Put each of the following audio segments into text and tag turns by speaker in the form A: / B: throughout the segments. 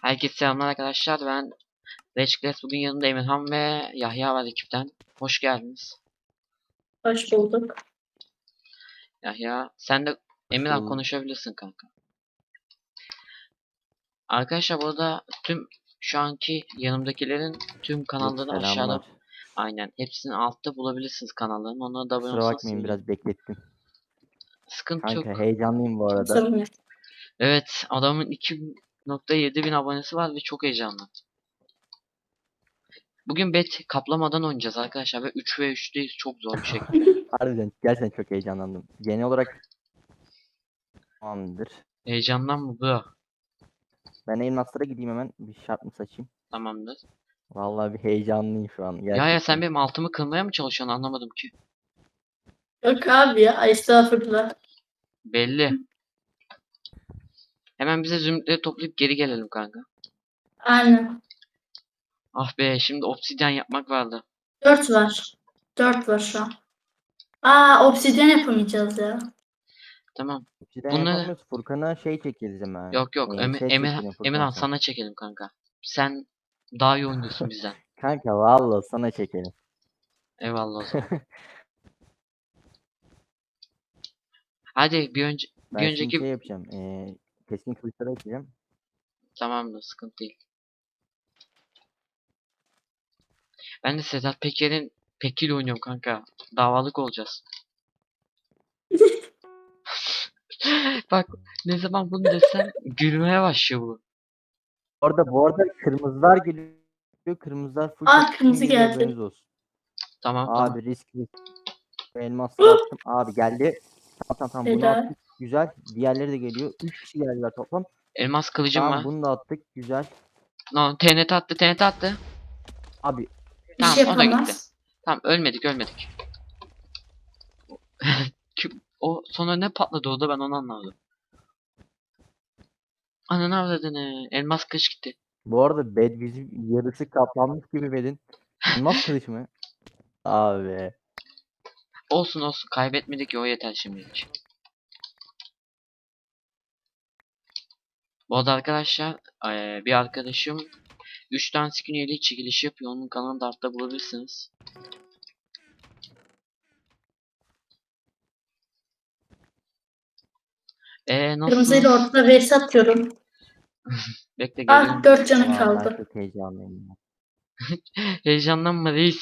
A: Herkese selamlar arkadaşlar. Ben Reçkles. Bugün yanımda Emirhan ve Yahya var ekipten. Hoş geldiniz.
B: Hoş bulduk.
A: Yahya sen de Emirhan konuşabilirsin kanka. Arkadaşlar burada tüm şu anki yanımdakilerin tüm kanalları aşağıda.
C: Selamlar.
A: Aynen. Hepsini altta bulabilirsiniz kanallarını. Onlara da abone
C: Kusura
A: olsanız
C: bakmayın
A: sevinirim.
C: biraz beklettim.
A: Sıkıntı
C: Kanka
A: yok.
C: heyecanlıyım bu arada.
B: Sorun yok.
A: Evet, adamın 2.7 bin abonesi var ve çok heyecanlı. Bugün bet kaplamadan oynayacağız arkadaşlar ve 3 ve 3'teyiz. Çok zor bir şey.
C: Harbiden gerçekten çok heyecanlandım. Genel olarak tamamdır.
A: Heyecandan mı bu?
C: Ben elmaslara gideyim hemen bir şart mı saçayım.
A: Tamamdır.
C: Vallahi bir heyecanlıyım şu an
A: Ya
C: gerçekten.
A: sen benim altımı kırmaya mı çalışıyorsun anlamadım ki.
B: Yok abi ya. Estağfurullah.
A: Belli. Hemen bize zümrütleri toplayıp geri gelelim kanka.
B: Aynen.
A: Ah be şimdi obsidyen yapmak vardı.
B: 4 var. 4 var şu an. Aa, obsidyen yapamayacağız ya.
A: Tamam.
C: Cidden
A: Bunları
C: yapamıyoruz. Furkan'a şey çekeriz hemen.
A: yok
C: Şey çekelim Furkan
A: Emirhan
C: sana.
A: sana çekelim kanka. Sen daha iyi oynuyorsun bizden.
C: Kanka vallahi sana çekelim.
A: Eyvallah o zaman. Hadi bir
C: Ben şimdi
A: önceki
C: şey yapacağım. Keskin kılıçlara açacağım.
A: tamamdır sıkıntı değil. Ben de Sedat Peker'in Pekil oynuyorum kanka. Davalık olacağız. Bak ne zaman bunu desem gülmeye başlıyor bu.
C: Bu arada kırmızılar geliyor. Kırmızılar full
B: Aa,
C: keskin
B: kırmızı
C: geliyor
B: geldi.
C: haberiniz olsun.
A: Tamam.
C: Abi riskli. Elmasları attım. Abi geldi. Tamam bunu
B: Eda.
C: attık. Güzel. Diğerleri de geliyor. 3 kişi geldiler toplam.
A: Elmas kılıcım var.
C: Tamam bunu da attık. Güzel.
A: No, TNT attı.
C: Abi
B: Bir
A: Tamam
B: şey
A: o da gitti.
B: yapamaz.
A: Tamam ölmedik. O sonra ne patladı orada ben onu anlamadım. Ananı avradını. Elmas kılıç gitti.
C: bu arada bed bizim yarısı kaplanmış gibi bedin. Elmas kılıç mı? Abi.
A: Olsun kaybetmedik ki o yeter şimdilik. Bu arada arkadaşlar bir arkadaşım 3 tane skin üyelik çekilişi yapıyor. Onun kanalını da altta bulabilirsiniz.
B: Kırmızıyla
A: Nasılsınız?
B: ortada vs atıyorum.
A: Bekle geliyorum.
B: Ah, 4 canı
C: Ulan ben
B: kaldı.
C: çok heyecanlıyım. Ya.
A: Heyecanlanma reis.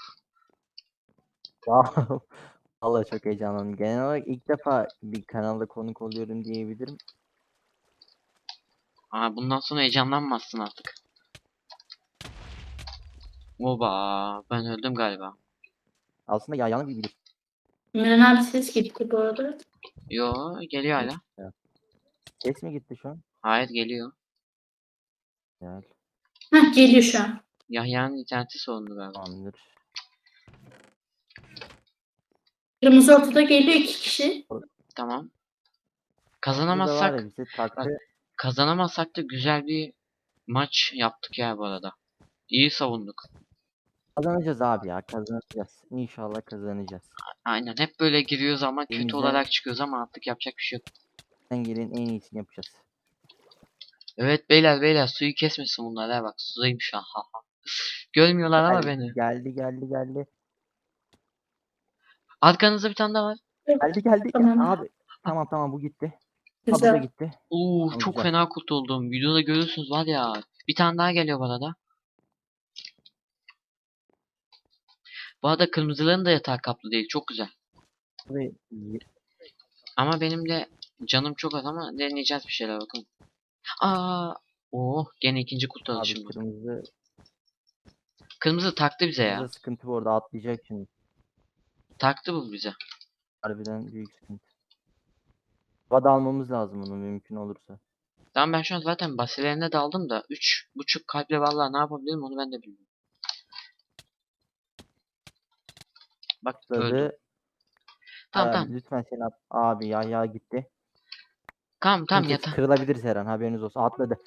C: Vallahi çok heyecanlandım. Genel olarak ilk defa bir kanalda konuk oluyorum diyebilirim.
A: Bundan sonra heyecanlanmazsın artık. Oba ben öldüm galiba.
C: Aslında yayanı bir bilir.
B: Miran abi ses gitti bu arada.
A: Yo geliyor hala.
C: Ses mi gitti şu an?
A: Hayır geliyor.
C: Güzel.
B: Heh, geliyor şu an.
A: Yahya'nın interneti sorunlu galiba.
C: Tamamdır.
B: Kırmızı ortada geliyor 2 kişi.
A: Tamam.
C: Burada da var
A: Kazanamazsak
C: ya bize taktı.
A: bak kazanamazsak da güzel bir maç yaptık ya bu arada. İyi savunduk.
C: Kazanacağız abi ya kazanacağız. İnşallah kazanacağız.
A: Aynen hep böyle giriyoruz ama kötü
C: Elimizden
A: olarak çıkıyoruz ama artık yapacak bir şey yok.
C: gelen en iyisini yapacağız.
A: Evet beyler suyu kesmesin bunlar ha bak sudayım şu an ha ha. Görmüyorlar ama beni.
C: Geldi.
A: Arkanızda bir tane daha var.
C: Geldi.
B: Tamam.
C: Abi tamam bu gitti. Ha bu da
B: Güzel.
C: gitti. Tamam,
A: Çok
C: güzel.
A: fena kurtuldum. Videoda görüyorsunuz var ya. Bir tane daha geliyor bana da. Bu arada kırmızıların da yatağı kaplı değil. Çok güzel.
C: Ve
A: Ama benim de canım çok az ama deneyeceğiz bir şeyler bakalım. Gene ikinci kurtardı
C: abi
A: şimdi. Kırmızı taktı bize ya.
C: kırmızı sıkıntı bu arada atlayacak şimdi.
A: Taktı bu bize.
C: Harbiden büyük sıkıntı. Vada almamız lazım onu mümkün olursa.
A: Tamam ben şu an zaten basilerine daldım da 3.5 kalple vallahi ne yapabilirim onu ben de bilmiyorum. Bak öldüm.
C: Atladı.
A: Tamam.
C: Lütfen sen at. Abi ya gitti.
A: Tamam
C: Çünkü
A: yata.
C: kırılabiliriz her an haberiniz olsun. Atladı.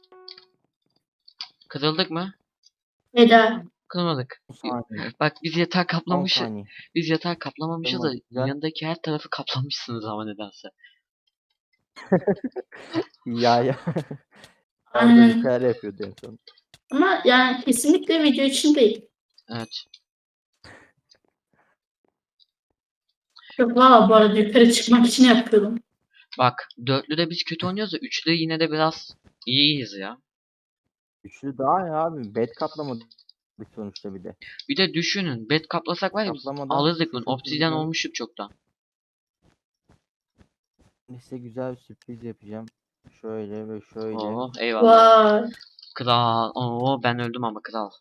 A: Kırıldık mı?
B: Eda.
A: Kırılmadık.
C: 10 saniye.
A: Bak biz yatağı
C: 10
A: kaplamışız.
C: saniye.
A: Biz yatağı kaplamamışız da
C: Kırılmadı. Güzel.
A: yanındaki her tarafı kaplamışsınız ama nedense.
C: Ya. Orada bir
B: Aynen.
C: şeyler yapıyordu en son.
B: Ama yani kesinlikle video için değil.
A: Evet.
B: Yok valla bu arada yukarı çıkmak için yapıyordum.
A: Bak dörtlüde biz kötü oynuyoruz da üçlü yine de biraz iyiyiz ya.
C: Üçlü daha ya abi. Bed kaplamadık sonuçta bir de.
A: Bir de düşünün bed kaplasak var ya biz
C: Kaplamadan
A: alırdık bunu. Obsidyen
C: 0-0'dan
A: olmuştuk çoktan.
C: size güzel bir sürpriz yapacağım. Şöyle ve şöyle.
A: Oo eyvallah.
B: Vay.
A: Kral. Oo ben öldüm ama kral.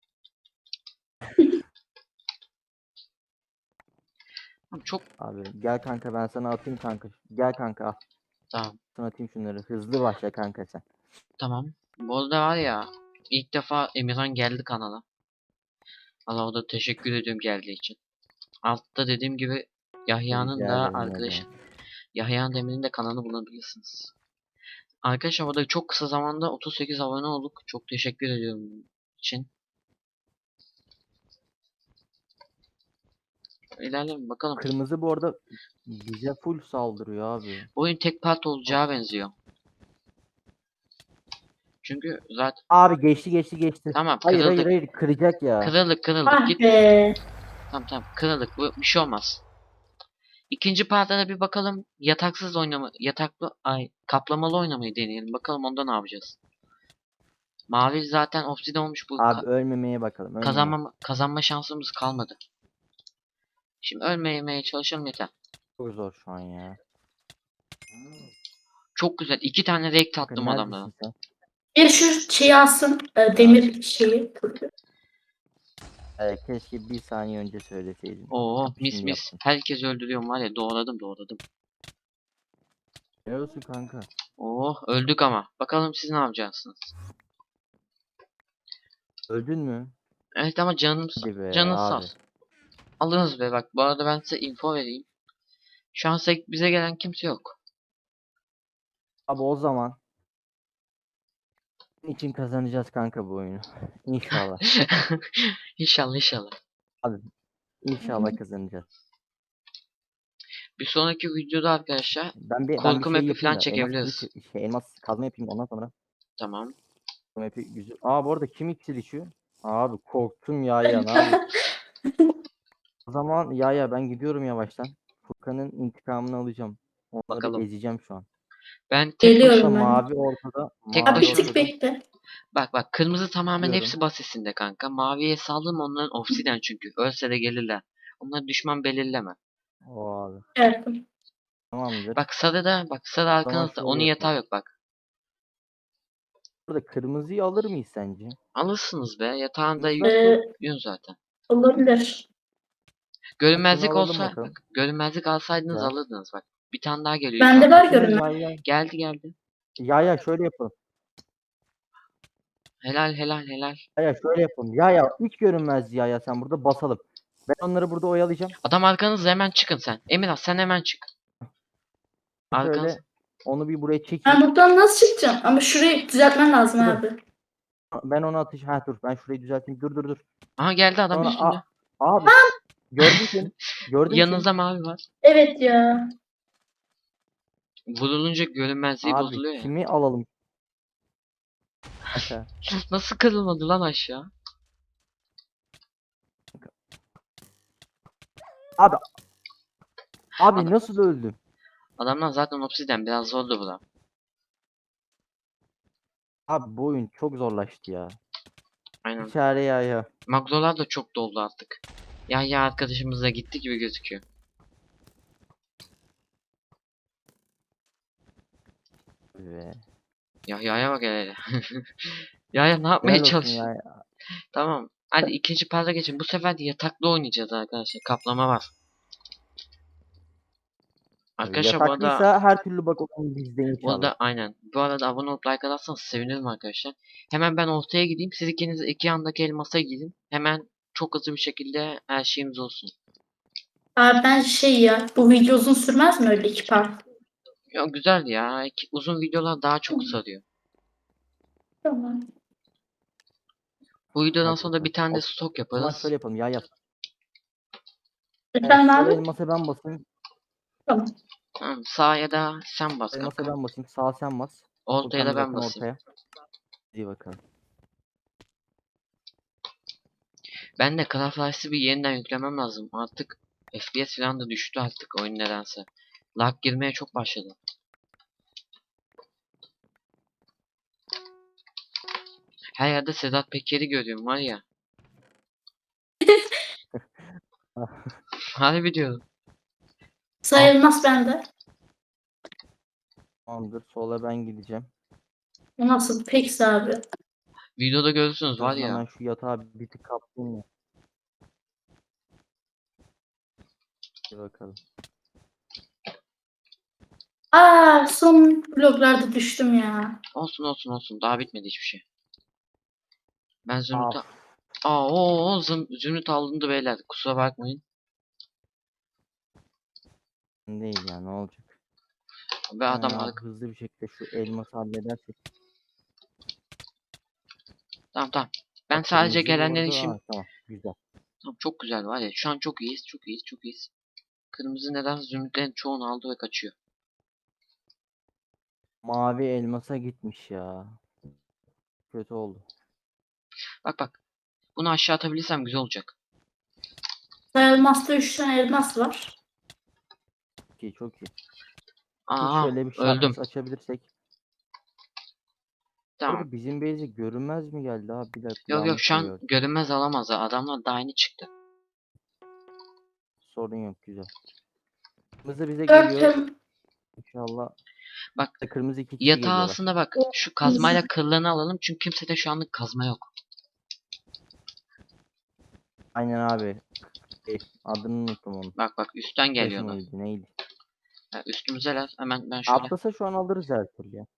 A: Abi çok
C: Abi gel kanka ben sana atayım kanka. Gel kanka al.
A: tamam.
C: Sana atayım şunları. Hızlı başla kanka sen.
A: Tamam. Bu arada var ya ilk defa Emirhan geldi kanala. Allah o da teşekkür ediyorum geldiği için. Altta dediğim gibi Yahya'nın
C: Rica
A: da
C: ederim ne
A: arkadaş
C: demek.
A: Yahya Demir'in de kanalını bulabilirsiniz. Arkadaşlar o da çok kısa zamanda 38 abone olduk. Çok teşekkür ediyorum bunun için. İlerleyelim bakalım.
C: Kırmızı bu arada bize full saldırıyor abi.
A: Bu oyun tek part olacağı benziyor. Çünkü zaten
C: Abi geçti.
A: tamam
C: Hayır
A: kırıldık.
C: kıracak ya.
A: Kırıldık
B: Ah
A: git.
B: be.
A: Tamam kırıldık. Bu bir şey olmaz. İkinci partta da bir bakalım yataksız oynama yataklı kaplamalı oynamayı deneyelim. Bakalım onda ne yapacağız. Mavi zaten obside olmuş bu
C: Abi ölmemeye bakalım. Ölmemeye.
A: kazanma şansımız kalmadı. Şimdi ölmemeye çalışalım yeter.
C: Çok zor şu an ya.
A: Çok güzel. 2 tane rake
C: Kanka
A: attım adamlara.
C: neredesin sen?
B: Bir şu şeyi alsın. Demir şeyi.
C: Keşke bir saniye önce söyleseydin.
A: Oo mis
C: Şimdi
A: mis.
C: yaptım.
A: Herkes öldürüyorum var ya doğradım.
C: Helal olsun kanka.
A: Oh öldük ama. Bakalım siz ne yapacaksınız?
C: Öldün mü?
A: Evet ama
C: Hadi be
A: canınız sağ
C: abi.
A: olsun. Alınız be bak. Bu arada ben size info vereyim. Şu an bize gelen kimse yok.
C: Abi o zaman için kazanacağız kanka bu oyunu. İnşallah.
A: İnşallah.
C: Abi inşallah kazanacağız.
A: Bir sonraki videoda arkadaşlar
C: Ben bir
A: korku
C: şey
A: map'i
C: yapayım
A: falan
C: da elmas kılıç
A: çekebiliriz.
C: elmas kazma yapayım ondan sonra
A: Tamam.
C: bu map'i güzel. Bu arada kim iksir içiyor? Abi korktum ya ne yapayım? O zaman ben gidiyorum yavaştan. Furkan'ın intikamını alacağım. Onları
A: Bakalım.
C: ezeceğim şu an.
A: Ben tek
C: Burada
B: Geliyorum ben.
C: mavi ortada.
A: tek
B: Abi
C: Mavi
B: bir
A: başına.
B: tık
C: ortada.
B: bekle.
A: Bak kırmızı tamamen
C: Diyorum.
A: hepsi basesinde kanka. Maviye saldım onların obsiden çünkü. Ölse de gelirler. Onlar düşman belirleme.
C: O abi.
B: Evet.
C: Tamamdır.
A: Bak sarı
C: O zaman
A: arkanızda.
C: şöyle
A: Onun yatağı
C: yapalım.
A: yok bak.
C: Burada kırmızıyı alır mıyız sence?
A: Alırsınız be. Yatağında
C: Kırmızı nasıl?
A: yün zaten.
B: Olabilir.
C: Şunu
A: Görünmezlik
C: alalım
A: olsa
C: bakalım.
A: bak. Görünmezlik alsaydınız
C: Güzel.
A: alırdınız bak. Bir tane daha geliyor
B: Bende
A: yukarıdan.
B: var
C: Şunu
B: görünmez.
A: Geldi.
C: şöyle yapalım.
A: Helal.
C: Şöyle yapalım. Hiç görünmez sen burada basalım. Ben onları burada oyalayacağım.
A: Adam arkanızda hemen çıkın sen. Emirhan sen hemen çık. Arkanız.
C: Şöyle onu bir buraya
B: Ben
C: çekeyim.
B: buradan nasıl çıkacağım? Ama şurayı düzeltmen lazım
C: Dur.
B: abi.
C: Ben onu atış. Dur ben şurayı düzelteyim. Dur.
A: Aha geldi adam
C: Sonra
A: üstünde.
C: abi gördüm seni. Gördüm seni.
A: Yanınızda mavi var.
B: Evet ya.
A: Vurulunca görünmezliği
C: Abi
A: bozuluyor ya.
C: kimi alalım? Aşağı.
A: Nasıl kırılmadı lan aşağı?
C: Abi
A: Adam-
C: nasıl öldüm?
A: Adamlar zaten obsiden biraz zordu bu da.
C: Abi bu oyun çok zorlaştı ya.
A: Aynen.
C: İçeri ya.
A: Maglolar da çok doldu artık. Ya arkadaşımız da gitti gibi gözüküyor.
C: Ve
A: Ya'ya bak hele. Ya ne yapmaya
C: helal olsun
A: çalışıyorsun? Tamam. Hadi ikinci parta geçin. Bu sefer de yataklı oynayacağız arkadaşlar. Kaplama var. Arkadaşlar bu arada
C: Yataklıysa her türlü bak oyun bizde inşallah.
A: aynen. Bu arada abone olup like atarsanız sevinirim arkadaşlar. Hemen ben ortaya gideyim. Siz ikiniz iki yandaki elmasa gidin. Hemen çok hızlı bir şekilde her şeyimiz olsun.
B: Abi ben bu video uzun sürmez mi öyle 2 part?
A: Ya güzel ya. Uzun videolar daha çok sarıyor.
B: Tamam.
A: Bu videodan
C: Bak
A: sonra da bir tane de stok
C: O zaman
A: yaparız.
C: şöyle yapalım
B: Efendim
C: Sol
B: abi?
C: elmasa ben basayım.
B: Tamam.
A: Tamam, sağ ya da sen bas
C: Elmasa
A: kanka.
C: ben basayım. Sağ sen bas.
A: Oltaya da
C: Furkan
A: ben
C: bakın
A: basayım.
C: ortaya. İyi bakalım.
A: Ben de Call of Duty'si bir yeniden yüklemem lazım. Artık FPS falan da düştü artık oyun nedense. Lag girmeye çok başladı. Her yerde Sedat Peker'i görüyorum var ya. Harbi diyorum.
B: Sayılmaz bende.
C: Tamamdır. Sola ben gideceğim.
B: Bu nasıl peks abi?
A: Videoda görürsünüz
C: En
A: var
C: azından
A: ya.
C: ben şu yatağı bir tık kaptım ya. Bir bakalım.
B: Son bloklarda düştüm ya.
A: Olsun olsun olsun. Daha bitmedi hiçbir şey. Ben Zümrüt'e...
C: Af.
A: Zümrüt alındı beyler. Kusura bakmayın.
C: Değil ya, ne olacak?
A: Ve adam
C: Abi hızlı bir şekilde şu elması halledersek.
A: tamam tamam. Ben
C: Bak,
A: sadece
C: kırmızıyı
A: gelenlerin
C: vurdu.
A: şimdi...
C: Ha, tamam güzel.
A: Tamam, çok güzel var ya. Şu an çok iyiyiz. Çok iyiyiz. Çok iyiyiz. Kırmızı neden Zümrütlerin çoğunu aldı ve kaçıyor.
C: Mavi elmasa gitmiş ya. Kötü oldu.
A: Bak bak. Bunu aşağı atabilirsem güzel olacak.
B: Sayılmazda 3 tane elmas var.
C: Çok iyi, çok iyi.
A: Aa
C: Şöyle bir
A: öldüm.
C: şarkıs açabilirsek. Bu
A: Tamam.
C: arada bizim base'e görünmez mi geldi abi? Bir dakika,
A: Yok yok
C: yanlış
A: şu
C: mı
A: an
C: gördüm?
A: görünmez alamaz. Adamlar daha yeni çıktı.
C: Sorun yok, güzel. Kırmızı bize
B: 4
C: geliyor. İnşallah.
A: Bak
C: Kırmızı iki kişi
A: yatağı
C: geliyorlar.
A: aslında bak. Şu kazmayla kıllarını alalım. Çünkü kimsede şu anlık kazma yok.
C: Aynen abi. Adını unuttum onun.
A: Bak bak üstten
C: Flash
A: geliyorlar.
C: mıydı neydi?
A: Ha, üstümüzeler. Hemen ben şöyle.
C: Atlasa şu an alırız her türlü ya.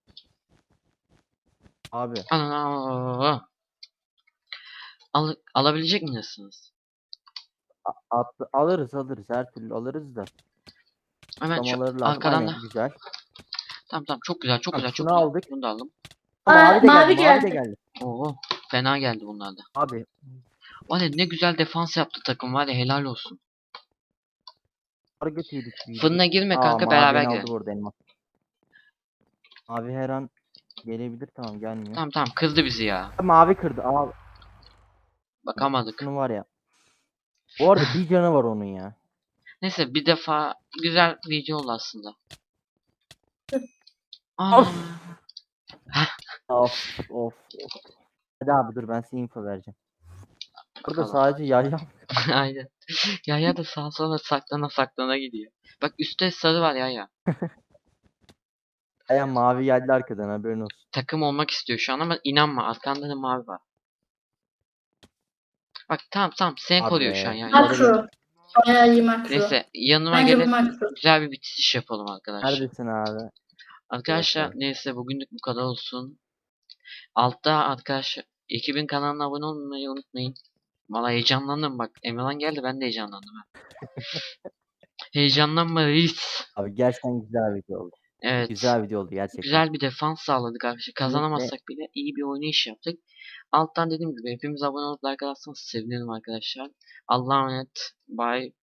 C: Abi
A: Ana. Alabilecek misiniz?
C: alırız her türlü alırız da.
A: Hemen şu
C: Kutlamaları lazım.
A: arkadan da.
C: Aynen, güzel.
A: Tamam tamam çok güzel çok
C: Tamam,
A: güzel çok
C: şunu
A: güzel.
C: aldık.
A: Bunu da aldım.
C: Mavi de geldi,
B: Mavi
C: mavi de
B: geldi.
C: geldi.
A: Oo fena geldi bunlar da.
C: Abi
A: Var ya ne güzel defans yaptı takım var ya helal olsun.
C: target yedik büyüdük.
A: Fırına girme
C: Aa,
A: kanka
C: mavi
A: beraber
C: beni aldı
A: girelim.
C: burada elmas. Mavi her an gelebilir, tamam gelmiyor.
A: Tamam tamam kızdı bizi ya.
C: Mavi kırdı. Aa,
A: Bakamadık.
C: şunu var ya. Bu arada bir canı var onun ya.
A: Neyse bir defa güzel video oldu aslında. Ana.
C: Of. Of of. Hadi abi dur, ben size info vereceğim. Burada
A: Bakalım.
C: sadece yayla.
A: Aynen. Yaya da sağa sola saklana saklana gidiyor. Bak üstte sarı var Yaya.
C: Aya mavi geldi arkadan, haberin olsun.
A: Takım olmak istiyor şu an ama inanma arkanda da mavi var. Bak tamam tamam seni koruyor şu an
C: Abi.
A: Yaya.
B: Makro. Bayağı iyi makro.
A: Neyse yanıma
B: Bence bu
A: gelin
B: makro.
A: güzel bir bitiriş yapalım arkadaşlar.
C: Neredesin abi?
A: Arkadaşlar
C: Bakalım.
A: neyse bugünlük bu kadar olsun. Altta arkadaşlar ekibin kanalına abone olmayı unutmayın. Valla heyecanlandım bak. Emirhan geldi ben de heyecanlandım. Ha. Heyecanlanma reis.
C: Abi gerçekten güzel video oldu.
A: Evet.
C: Güzel video oldu gerçekten.
A: Güzel bir defans sağladık arkadaşlar.
C: Kesinlikle.
A: Kazanamazsak bile iyi bir oynayış yaptık. Alttan dediğim gibi hepimiz abone olup like atarsanız sevinirim arkadaşlar. Allah'a emanet. Bye.